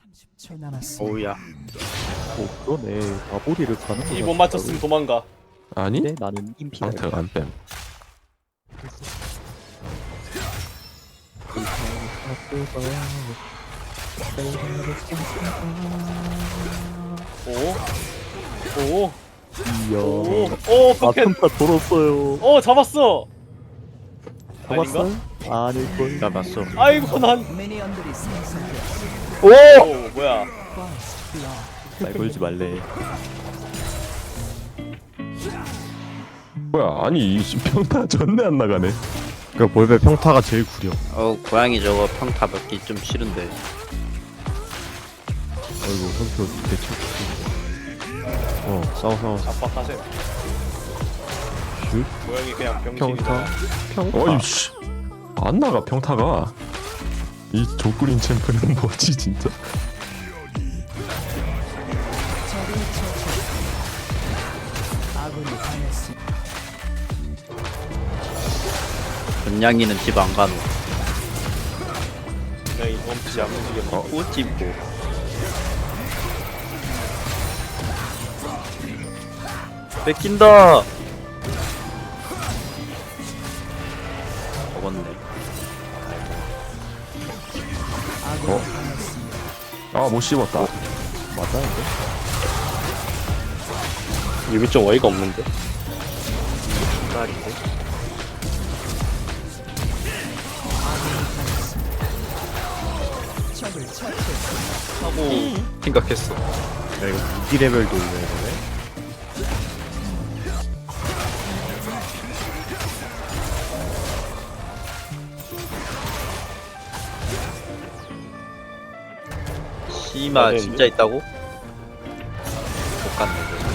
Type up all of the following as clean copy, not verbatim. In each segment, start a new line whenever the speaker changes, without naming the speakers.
30초 남았습니다.
오우야.
오 그러네. 마보리를 가는 거.
이 못 맞췄으면 도망가.
아니?
네, 나는 인피다.
상태가 안 뺨.
오,
이야.
오, 오, 포켓.
아픔타 돌았어요.
오, 잡았어. 아닌가?
잡았어요? 아닐걸.
잡았어.
아이고 난.
미니언들이 생성되었습니다.
오, 뭐야?
First blood.
날 걸지 말래.
뭐야? 아니 이 평타 전내 안 나가네.
그 볼베 평타가 제일 구려.
고양이 저거 평타 받기 좀 싫은데.
아이고 현표 대체. 싸워.
압박하세요.
슛.
모양이 그냥 병신이다.
평타.
어이 씨. 안 나가 평타가. 이 조꾸린 챔프는 뭐지 진짜?
적을 처치. 아군이 당했습니다.
전냥이는 집 안 가노.
그냥 이 멈추지 안 움직여.
꼬집고. 뺏긴다. 먹었네.
아군이 당했습니다.
아 못 씹었다.
맞아 이거?
이게 좀 어이가 없는데.
신발인데.
적을 처치.
하고 생각했어.
야 이거 무기 레벨도 올려야 되네.
씨마
네,
진짜 있다고? 못 갔네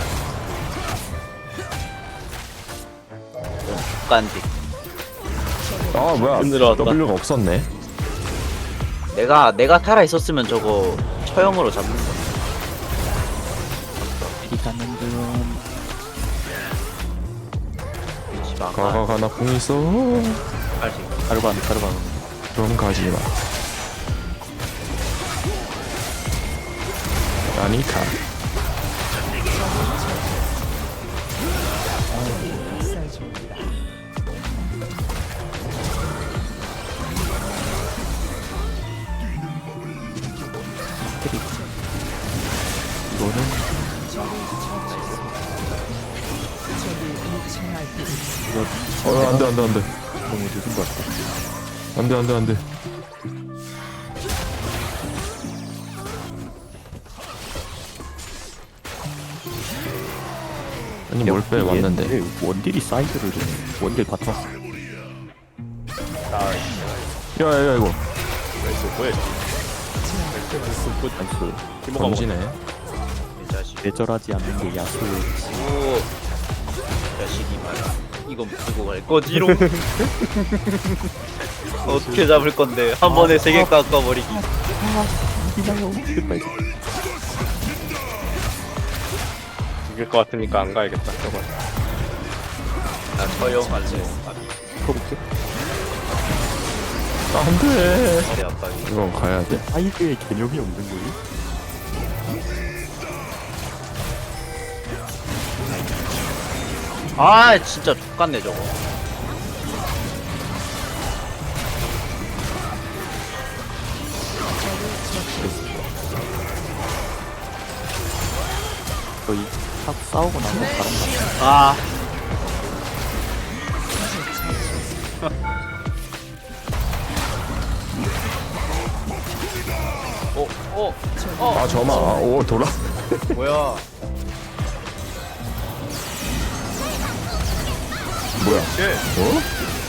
이거. 못 간디.
아 뭐야?
힘들어왔다.
W가 없었네.
내가 살아 있었으면 저거 처형으로 잡는 거.
피 가는 중.
씨발
가가 나 궁 있어.
빨리.
가르반.
그럼 가지 마. 아니까.
학살 중입니다.
이거는
적이 무청할 때 있습니다.
안돼
너무 늦은 것 같아.
안돼. 아니 뭘 빼 왔는데.
왜 원딜이 사이드를 주네. 원딜 바텀.
야야 이거
나이스, 뭐야?
나이스.
기모가
던지네.
이 자식.
내절하지 않는 게 야수.
오. 자식이 말아. 이건 들고 갈 거지롱. 어떻게 잡을 건데? 한 번에 세 개 깎아버리기.
이나요. 됐다 이제.
이길 것 같으니까 안 가야겠다. 저거.
나 처형할래.
커볼게.
안돼.
머리 아빠.
이건 가야 돼.
사이드의 개념이 없는 거지.
아 진짜 X같네 저거.
거의 딱 싸우고 나서 다른 거.
아.
아 저마. 오 돌아.
뭐야?
뭐야?
쟤.
어?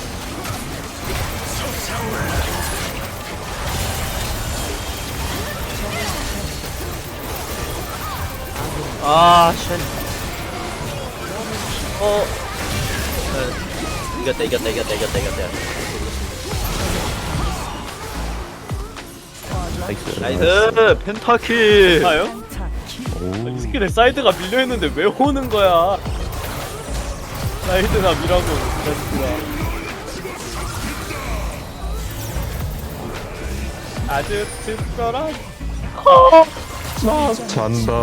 아, 쉣. 이겼다.
나이스.
나이스! 펜타킬!
아요?
펜타킬.
이 스킬에 사이드가 밀려있는데 왜 오는 거야? 사이드나 미라고, 이 자식들아. 아주 특별한
잔다.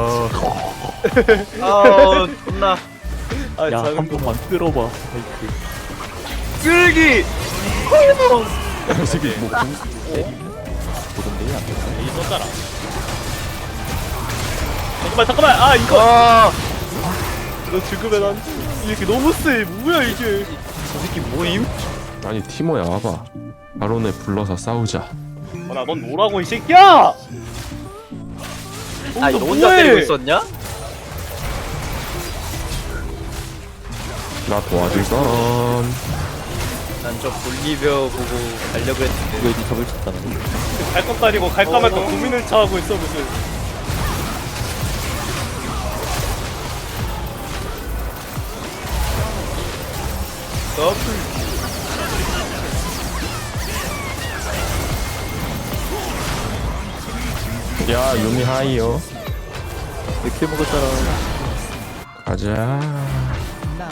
아우 존나
아,
야,
자는
한
거
번만 끌어봐. 아이쿠.
끌기.
이 새끼 뭐 보던데 안 돼.
이 썼잖아. 잠깐만. 아, 이거.
아,
너 죽으면 안 돼. 이렇게 너무 세. 뭐야, 이게.
저 새끼 뭐임?
아니 티모야 와봐. 바론에 불러서 싸우자.
넌 뭐라고, 이 새끼야!
아, 너
너
혼자
뭐해?
때리고 있었냐?
나 도와줄건.
난 저 볼리베어 보고 가려고 했는데.
이거 이제 적을 쳤다는 거.
갈 것도 아니고 갈까 말까 고민을 차하고 있어, 무슨.
더블.
야 유미 하이요.
이렇게 먹었잖아.
가자.
나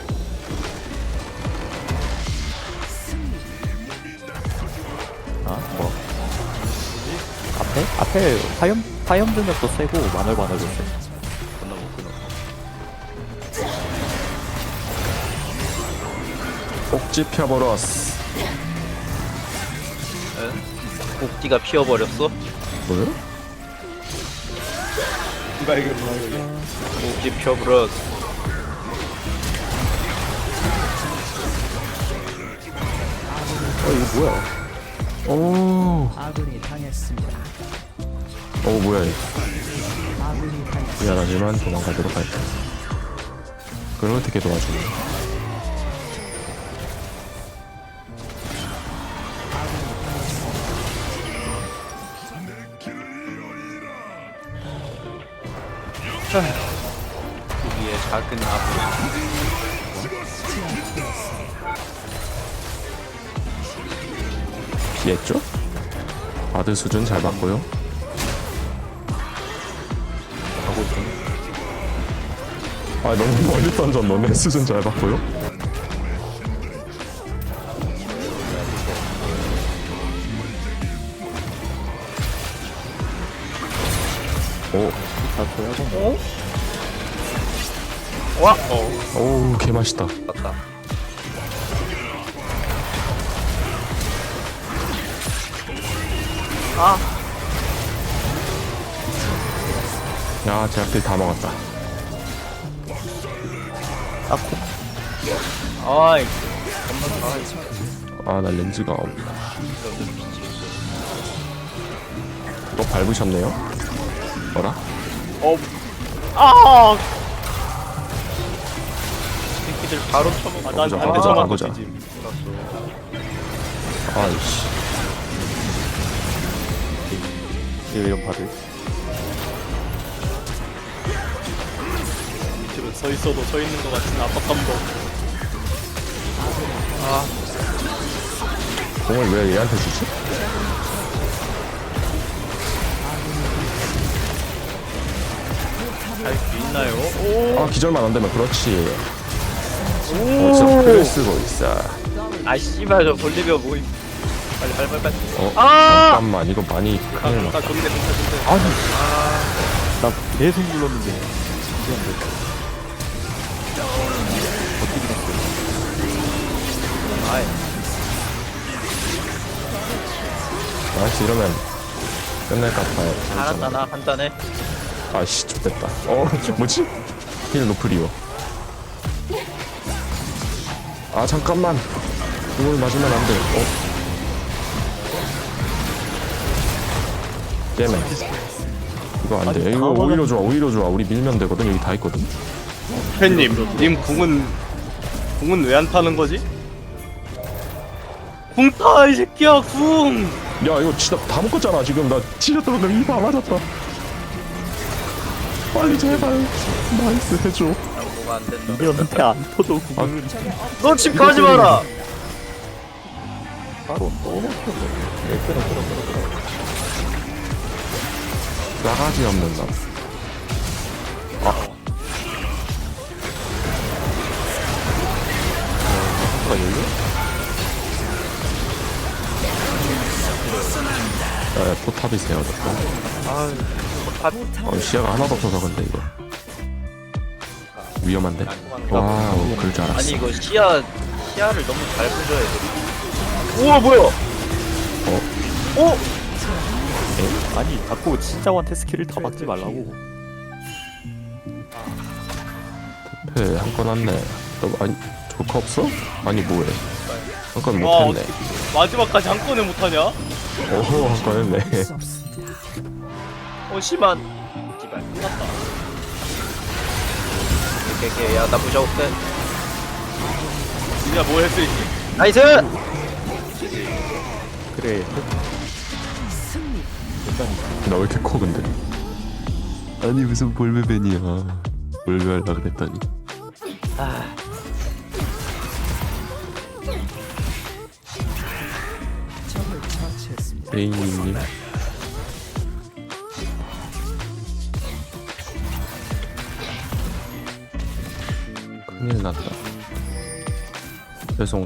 아, 뭐. 앞에 화염 등력도 세고 마늘 바늘도 세.
건너 못 끊어.
꼭지 펴버렸어.
꼭지가 피어버렸어?
뭐야?
누가 이거 뭐야.
꼭지 피어버렸어.
이거 뭐야?
오.
아군이 당했습니다.
뭐야 이거.
아군이 당했습니다.
미안하지만 도망가도록 할게. 그걸 어떻게 도와주니?
위에 작은 나무.
피했죠? 바드 수준 잘 봤고요.
하고 있어.
아 너무 멀리 던졌노네. 수준 잘 봤고요. 오,
다 줘야겠네.
와!
오우 개 맛있다.
맞다. 아!
야 제약들 다 먹었다.
아이,
아 나 렌즈가 없다. 또 밟으셨네요? 뭐라?
아!
새끼들 바로 쳐먹어.
난
보자,
반대
보자,
쳐맞고
보자.
뒤지.
아이씨.
이런 바들.
밑으로 서 있어도 서 있는 것 같은 압박감도 없고.
공을 왜 얘한테 주지?
할 수 있나요?
아 기절만 안 되면 그렇지. 어디서 글을 쓰고 있어.
아, 씨발, 저 볼리베어 모임. 빨리.
잠깐만 이거 많이 큰일 났다.
좋네.
아니. 나 계속 눌렀는데. 이게 안 돼.
아이,
나이스 이러면 끝날 것 같아요.
알았다, 나 간단해.
아씨 좋됐다. 뭐지? 힐 노프리오. 아 잠깐만. 이걸 맞으면 안 돼. 깨매. 이거 안 돼. 이거 오히려 좋아. 우리 밀면 되거든. 여기 다 있거든.
팬님, 님 궁은 왜 안 타는 거지? 궁 타, 이 새끼야, 궁!
야 이거 진짜 다 먹었잖아 지금. 나 진짜 떨어졌는데 이다 맞았다. 빨리 제발 나이스 해줘.
뭐가 안 된다.
이런데 안 터져 구글.
너 집 가지 마라!
바로 또 먹혔네.
나가지 없는 남.
한가 열려?
포탑이 세워졌다.
아유 포탑
시야가 하나도 없어서 근데 이거 위험한데. 와우 그럴 줄 알았어.
아니 이거 시야를 너무 잘 보셔야 돼.
우와 뭐야?
아니 자꾸 진짜한테 스킬을 다 받지 말라고.
패 한 건 왔네. 너 아니 조커 없어? 아니 뭐해? 한 건
와
못했네.
어떻게 마지막까지 한 건에 못하냐?
오호 한 건 했네.
수 없습니다.
심한 기발 끝났다. 오케이 야나 무시할게.
니가 뭘 할 수 있지?
나이스.
그래.
나 왜 이렇게 커 근데? 아니 무슨 볼베벤이야. 볼베 하려 그랬더니.
아
적을 처치했습니다.
베인님. 큰일 났다. 죄송.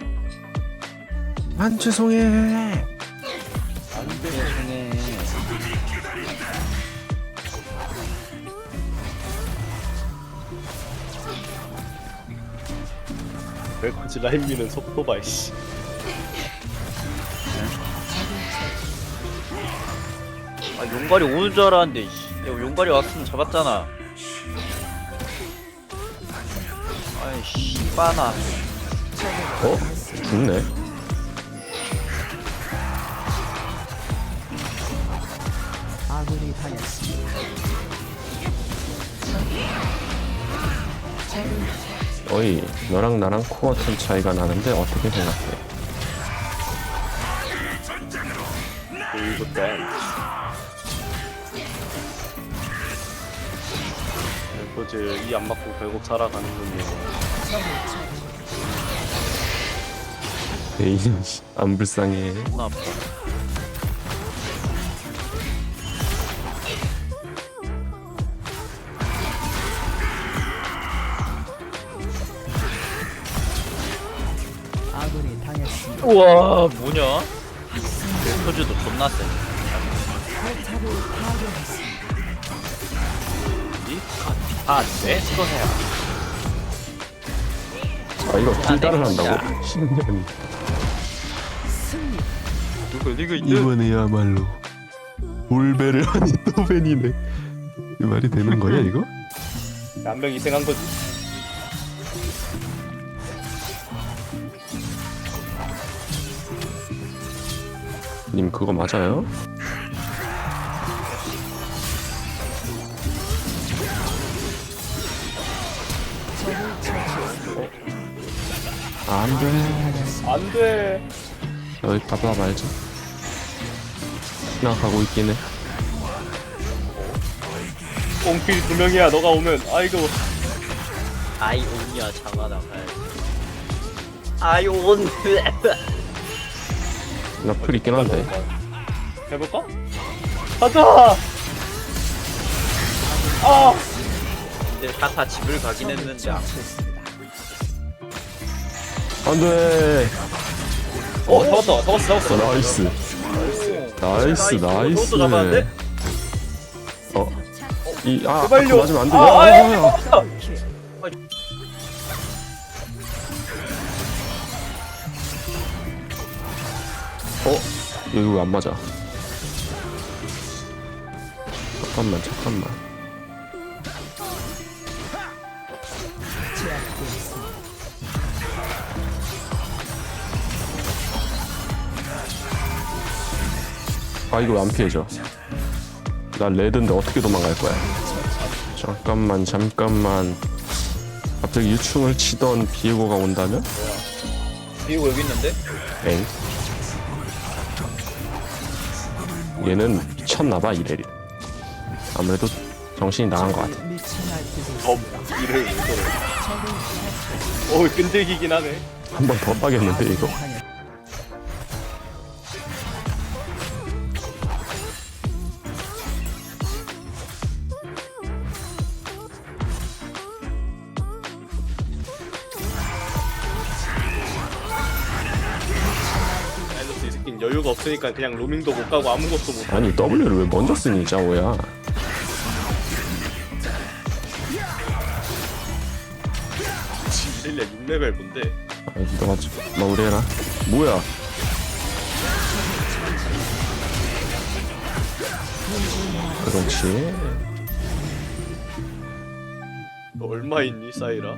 안 죄송해.
왜 굳이 라인 미는 속도 봐 이씨.
아 용갈이 오는 줄 알았는데 씨. 야 용갈이 왔으면 잡았잖아. 아이씨 빠나.
죽네.
아군이 당했습니다.
어이 너랑 나랑 코어 템 차이가 나는데 어떻게 생각해?
그리고 땐 그거지 이 안 맞고 결국 살아가는군요.
베인 안 불쌍해.
나 아파.
아군이 당했습니다.
우와 뭐냐? 포즈도 존나 세. 네? 찍어서야.
아 이거 킬다를 한다고? 신기하네.
누구 리그 있는?
이번에야말로 볼베를 하니 또 벤이네. 이 말이 되는 거야 이거?
한 명 희생한 거지.
님 그거 맞아요? 안돼.
안 돼.
여기 가봐 말자. 생각하고 있긴 해.
꽁필 두 명이야. 너가 오면 아이고.
아이온이야 장아 나가야지. 아이온.
나 풀 있긴 한데.
해볼까? 가자. 아.
근데 다 집을 가긴 했는데 안
안돼.
잡았어.
나이스. 나이스.
이것도 잡았는데?
제발요. 맞으면 안 돼. 여기 왜 안 맞아? 잠깐만. 아 이거 왜 안 피해져? 나 레드인데 어떻게 도망갈 거야? 잠깐만. 갑자기 유충을 치던 비에고가 온다면?
비고 여기 있는데?
엥? 얘는 미쳤나봐 이래리. 아무래도 정신이 나간 것 같아.
미쳐 날뛰고
이를 끈질기긴 하네.
한 번 더 빠겠는데 이거.
당했.
여유가 없으니까 그냥 로밍도 못 가고 아무것도 못 하고.
아니 W를 왜 먼저 쓰니 짜오야.
실내 6레벨 본데.
아니 너가 마무리해라. 뭐야? 그렇지.
너 얼마 있니 사이라?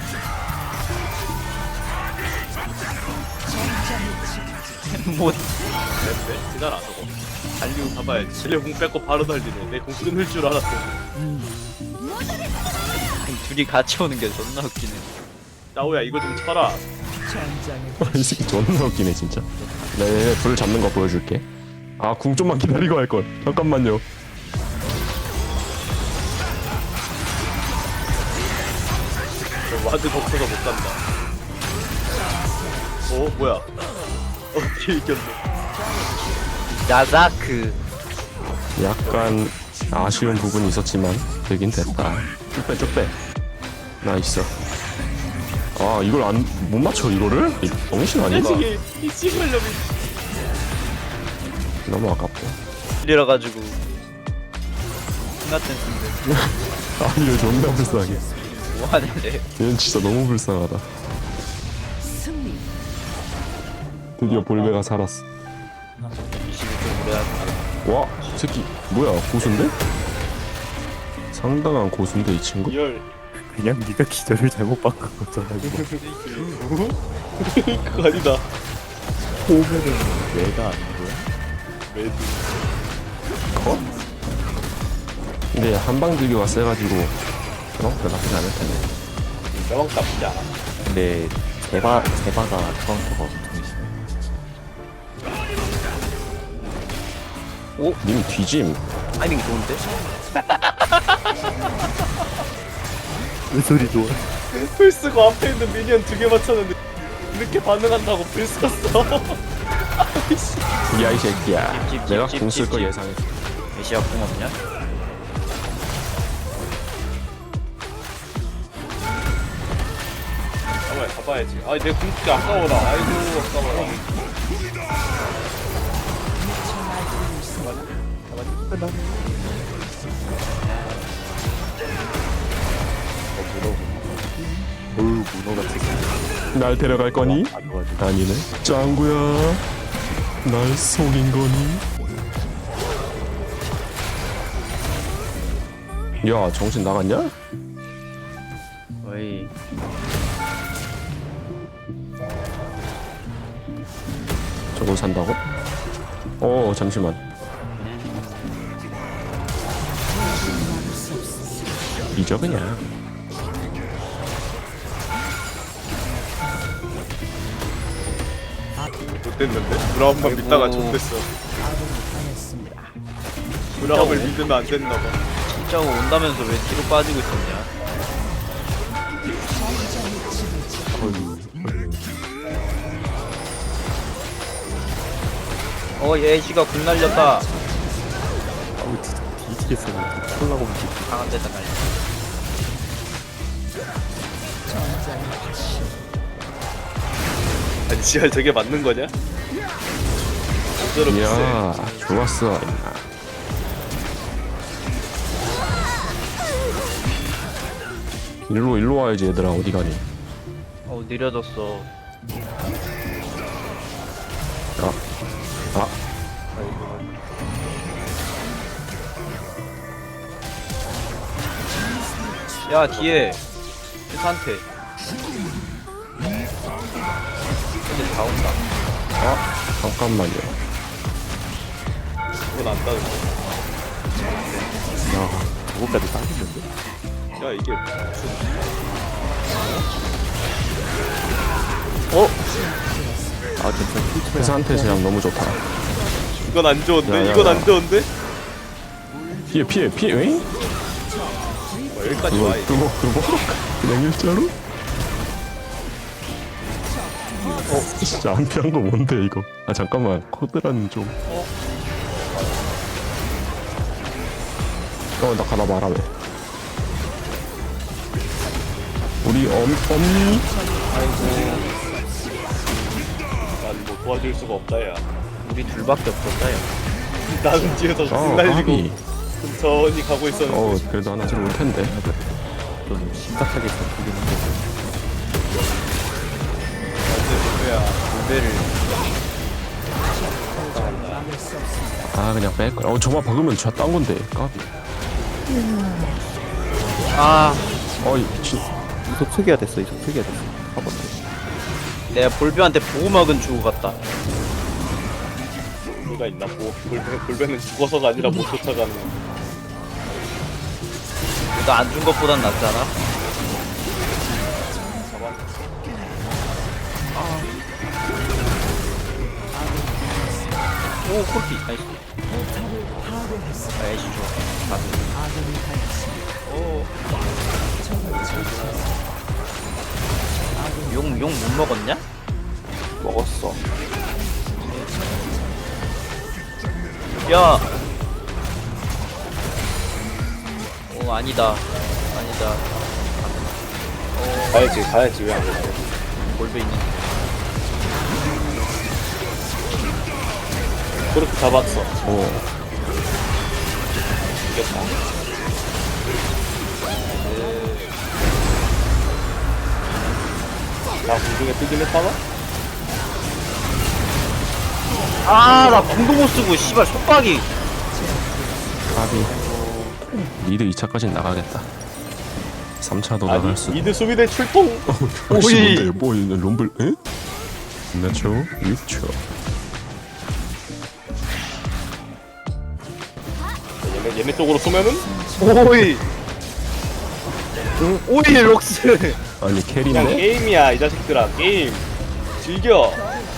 뭐
네? 지나라 저거. 달리고 가봐야지. 쟤네 공 뺏고 바로 달리네. 내 공 끊을 줄 알았어.
둘이 같이 오는 게 존나 웃기네.
나오야 이거 좀 쳐라.
전장에
이 새끼 존나 웃기네 진짜. 네, 불 잡는 거 보여줄게. 아, 궁 좀만 기다리고 할 걸. 잠깐만요.
저 와드 벅쳐서 못 간다. 뭐야? 뒤에 이겼네.
야자크.
약간 아쉬운 부분이 있었지만 되긴 됐다. 쭉 빼, 쭉 빼. 나이스. 아, 이걸 못 맞춰 이거를? 이 정신 아닌가?
이 씨발놈이.
너무 아깝고.
이래 가지고 같은 인데
아니, 얘 존나 불쌍해.
뭐 하는데?
얘는 진짜 너무 불쌍하다.
승리.
드디어 볼베가 살았어.
21점 오래 하는
와, 이 새끼 뭐야? 고수인데? 상당한 고수인데 이 친구?
열.
그냥 네가 기절을 잘못 바꾼 거잖아. 이거.
그거 아니다.
호흡에는 왜가 아닌 거야?
매드.
컷? 근데 한방 들기가 세가지고 그렇게 나쁘지 않을 텐데.
명왕 나쁘지 않아.
근데 제바가 카운터가 엄청 심해.
님 뒤짐.
타이밍 좋은데?
왜 소리 좋아?
풀 쓰고 앞에 있는 미니언 2개 맞췄는데 이렇게 반응한다고 풀 썼어.
야 이 새끼야.
찝, 찝,
내가
찝,
공 쓸
찝,
거
찝.
예상했어.
메시아 궁 없냐?
가봐야지. 아니 내 궁극기 아까워라. 아이고 아까워라.
어우 문어 같은 게
날 데려갈 거니?
안 와가지고.
아니네. 짱구야. 날 속인 거니? 야 정신 나갔냐?
어이.
저걸 산다고? 잠시만. 잊어 그냥.
못됐는데? 브라움만 믿다가 좆됐어.
아군이 당했습니다.
브라움을 믿으면 안 됐나봐.
진짜 온다면서 왜 뒤로 빠지고 있었냐? 예시가 궁 날렸다.
아우 진짜 뒤지겠어. 콜라고 움직이.
강한 데다 날렸다.
전장에 다시
아니 지하 저게 맞는 거냐? 어쩌러
이야 좋았어. 일로 와야지 얘들아. 어디 가니?
느려졌어.
아
야 뒤에 상태. 이제 다 온다.
잠깐만요.
그건 안 따는데.
야 저거까지 따지는데?
야 이게
아 괜찮아. 필터야.
회사한테 제약 너무 좋다.
이건 안 좋은데?
야, 야,
이건
야.
안 좋은데?
피해. 응?
여기까지 와 이거.
그거 그냥 일자로? 진짜 안 피한 거 뭔데 이거? 아 잠깐만 코드라는 좀. 나 가다 말아 왜? 우리 엄니?
난 뭐 도와줄 수가 없다 야.
우리 둘밖에 없었다 야.
나는 뒤에서
어
날리고
까비.
천천히 가고 있었는데.
어 그래도 하나 들어올 텐데.
좀 심각하게 잡히긴 한데.
뭐야?
물배를
막을 수 없습니다.
아 그냥 뺄 거야. 저만 박으면 제가 딴 건데. 까비.
아
어이 미친.
이속 초기화 됐어, 이속 초기화 됐어. 한번 더.
내가 볼배한테 보호막은 주고 갔다.
누가 있나? 볼배는 죽어서가 아니라 못 쫓아가는.
그래도 안 준 것보단 낫잖아. 오 코피 나이스.
포탑을 파괴했습니다.
아 애쉬 좋아. 가슴.
아군이 당했습니다.
오.
적을 처치했습니다.
용 못 먹었냐?
먹었어.
야. 오 아니다. 아니다.
가야지 왜 안 가?
볼배 있는.
그렇게 잡았어.
어.
이겼다. 나 공중에 뜨긴 했다가?
아나 궁도 못 쓰고 씨발 속박이.
까비. 리드 2차까지 나가겠다. 3차도 나갈 수.
미드 수비대 출동.
혹시
오이.
뭔데? 뭐 있는 롬블? 에? 몇 초? 6초.
얘네 쪽으로 쏘면은
오이. 오이 록스.
아니
그냥
캐리인데?
게임이야 이 자식들아 게임. 즐겨.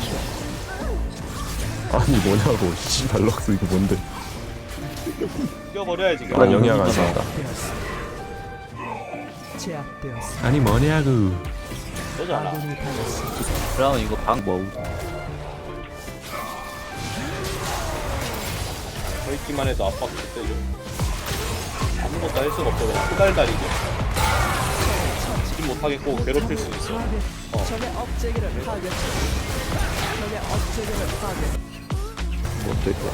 아니 뭐냐고. 씨발 럭스 이거 뭔데?
뛰어버려야지.
난 영향 안 산다.
제압되었습니다.
아니 뭐냐고.
쏘잖아.
아군이 당했습니다.
브라운 이거 방 뭐?
서 있기만 해도 압박 그때 좀 아무것도 할 수가 없어. 그냥 후달달이지. 지금 못하겠고 괴롭힐 수 있어.
적의 업체계를 파괴했습니다. 적의 업체계를 파괴.
뭐또 있고.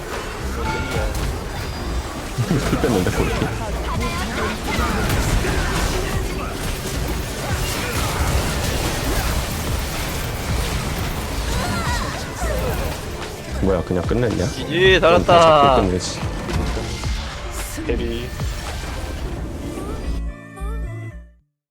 풀 뺐는데 그렇게. 뭐야 그냥 끝냈냐?
지지
그럼 다
잘했다.
잡고 끝내지.